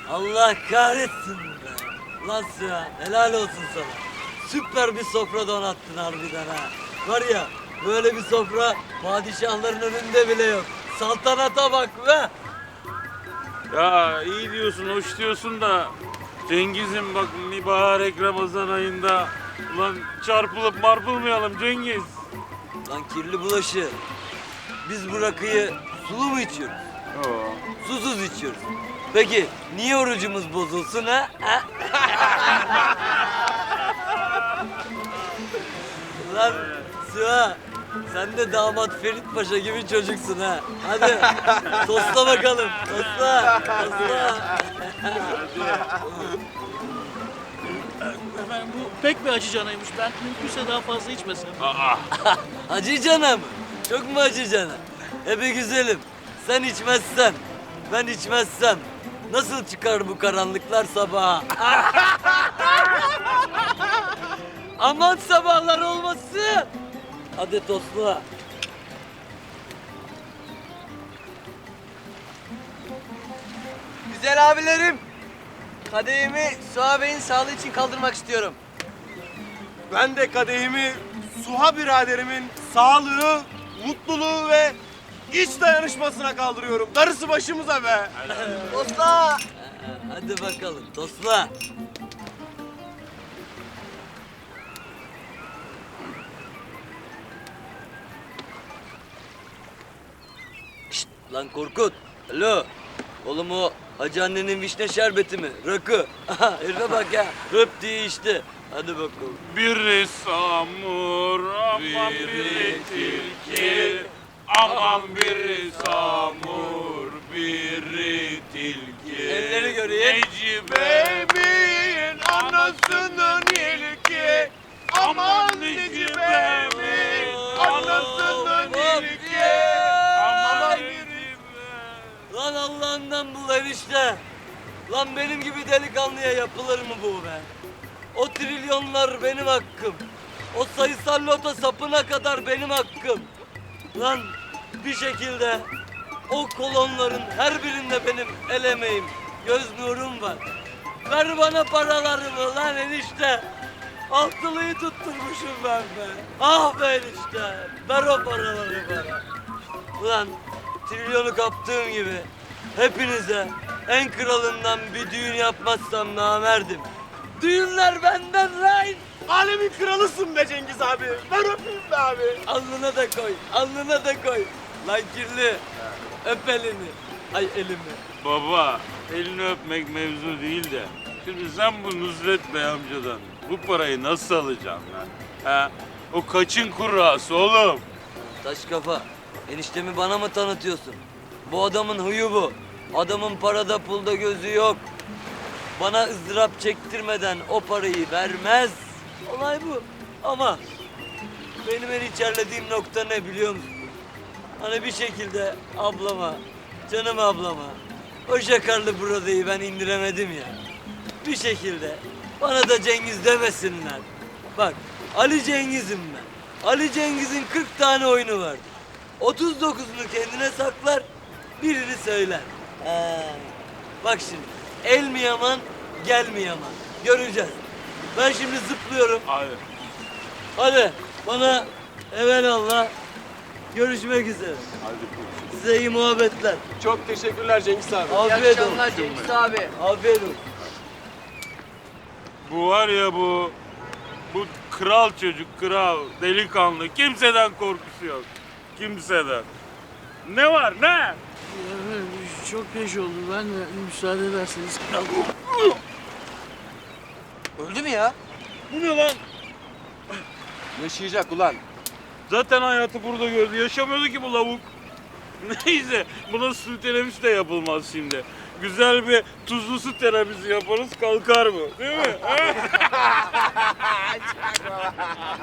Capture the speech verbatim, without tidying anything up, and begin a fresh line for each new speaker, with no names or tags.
Allah kahretsin be. Lan Süha, helal olsun sana. Süper bir sofra donattın harbiden ha. Var ya, böyle bir sofra padişahların önünde bile yok. Saltanata bak be.
Ya iyi diyorsun, hoş diyorsun da Cengiz'im bak mübarek Ramazan ayında ulan çarpılıp marpılmayalım Cengiz.
Lan kirli bulaşı. Biz bu rakıyı sulu mu içiyoruz?
Oo.
Susuz içiyoruz. Peki niye orucumuz bozulsun ha? ha? Lan Süha, sen de damat Ferit Paşa gibi çocuksun ha. Hadi tosla bakalım. Tosla, tosla.
Efendim bu pek bir acı canaymış. Ben mümkünse daha fazla içmesem.
Aa.
Acı cana mı? Çok mu acı cana? E be güzelim, sen içmezsen, ben içmezsem nasıl çıkar bu karanlıklar sabaha? Aman sabahlar olmasın. Hadi tosla.
Güzel abilerim, kadehimi Suha Bey'in sağlığı için kaldırmak istiyorum.
Ben de kadehimi Suha biraderimin sağlığı, mutluluğu ve iç dayanışmasına kaldırıyorum. Darısı başımıza be.
Osla!
Hadi bakalım tosla. Şşt, lan Korkut. Alo. Oğlum o hacı annenin vişne şerbeti mi? Rakı. Aha, herife bak ya. Röp diye içti. Hadi bakalım.
Biri samur, aman biri tilki. Aman biri samur, biri tilki.
Elleri göreyim.
Necibe'min anasının ilki. Aman Necibe'min anasının ilki. Aman Necibe.
Lan Allah'ından bul enişte. Lan benim gibi delikanlıya yapılır mı bu be? O trilyonlar benim hakkım. O sayısal loto sapına kadar benim hakkım. Lan bir şekilde o kolonların her birinde benim el emeğim, göz nurum var. Ver bana paralarımı lan enişte. Altılıyı tutturmuşum ben be. Ah be enişte. Ver o paraları bana. Ulan trilyonu kaptığım gibi hepinize en kralından bir düğün yapmazsam namerdim. Düğünler benden lan.
Alemin kralısın be Cengiz abi. Ver öpeyim be abi.
Alnına da koy, alnına da koy. Lan kirli, öp elini. Ay elimi.
Baba, elini öpmek mevzu değil de. Şimdi sen bu Nusret Bey amcadan bu parayı nasıl alacaksın lan? Ha? O kaçın kurrası oğlum?
Taş kafa, eniştemi bana mı tanıtıyorsun? Bu adamın huyu bu. Adamın parada pulda gözü yok. Bana ızdırap çektirmeden o parayı vermez. Olay bu. Ama benim en içerlediğim nokta ne biliyor musun? Hani bir şekilde ablama, canım ablama, o şakarlı buradayı ben indiremedim ya. Bir şekilde bana da Cengiz demesinler. Bak Ali Cengiz'im ben. Ali Cengiz'in kırk tane oyunu vardır. otuz dokuzunu kendine saklar, birini söyler. Ee, bak şimdi, el mi yaman, gel mi yaman? Göreceğiz. Ben şimdi zıplıyorum.
Hayır.
Hadi bana evelallah. Görüşmek üzere.
Hadi.
Size iyi muhabbetler.
Çok teşekkürler Cengiz abi.
İyi
Afiyet olsun.
akşamlar Cengiz abi.
Afiyet olsun.
Bu var ya bu, bu kral çocuk, kral, delikanlı. Kimseden korkusu yok. Kimseden. Ne var ne?
Efendim, çok geç oldu. Ben de müsaade ederseniz.
Öldü mü ya?
Bu ne lan?
Yaşayacak ulan.
Zaten hayatı burada gördü. Yaşamıyordu ki bu lavuk. Neyse buna su terapisi de yapılmaz şimdi. Güzel bir tuzlu su terapisi yaparız kalkar mı? Değil mi?